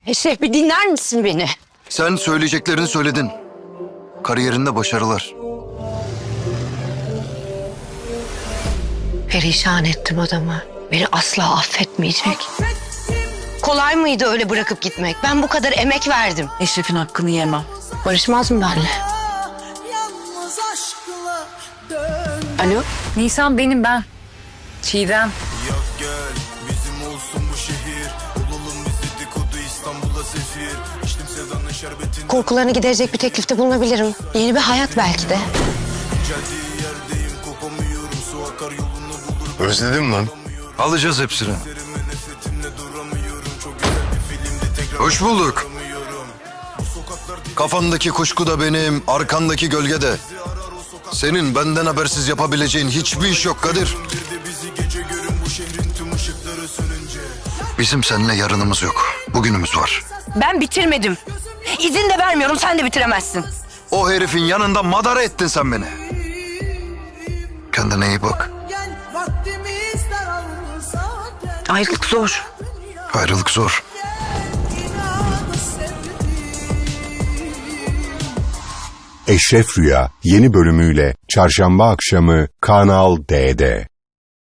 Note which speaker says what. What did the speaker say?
Speaker 1: Eşref bir dinler misin beni?
Speaker 2: Sen söyleyeceklerini söyledin. Kariyerinde başarılar.
Speaker 1: Perişan ettim adamı. Beni asla affetmeyecek. Kolay mıydı öyle bırakıp gitmek? Ben bu kadar emek verdim.
Speaker 3: Eşref'in hakkını yemem.
Speaker 1: Barışmaz mı benimle? Alo?
Speaker 3: Nisan benim ben. Çiğdem.
Speaker 4: Yak gel bizim olsun bu şehir. Olalım biz dedikodu İstanbul'a sefir. İçtim sevdanın şerbetini.
Speaker 1: Korkularını giderecek bir teklifte bulunabilirim. Yeni bir hayat belki de.
Speaker 4: Geldiği yerdeyim kopamıyorum. Su akar yolunu bulur.
Speaker 2: Özledim lan. Alacağız hepsini.
Speaker 4: Derime nefretimle duramıyorum. Çok güzel bir filmdi tekrar.
Speaker 2: Hoş bulduk.
Speaker 4: duramıyorum. Bu sokaklar
Speaker 2: Kafandaki kuşku da benim, arkandaki gölge de. Senin benden habersiz yapabileceğin hiçbir iş yok Kadir.
Speaker 4: bir de bizi gece görün bu şehrin tüm ışıkları sönünce.
Speaker 2: Bizim seninle yarınımız yok. Bugünümüz var.
Speaker 1: Ben bitirmedim. İzin de vermiyorum, sen de bitiremezsin.
Speaker 2: O herifin yanında madara ettin sen beni. Kendine iyi bak.
Speaker 1: Ayrılık zor.
Speaker 2: Ayrılık zor.
Speaker 5: Eşref Rüya yeni bölümüyle Çarşamba akşamı Kanal D'de.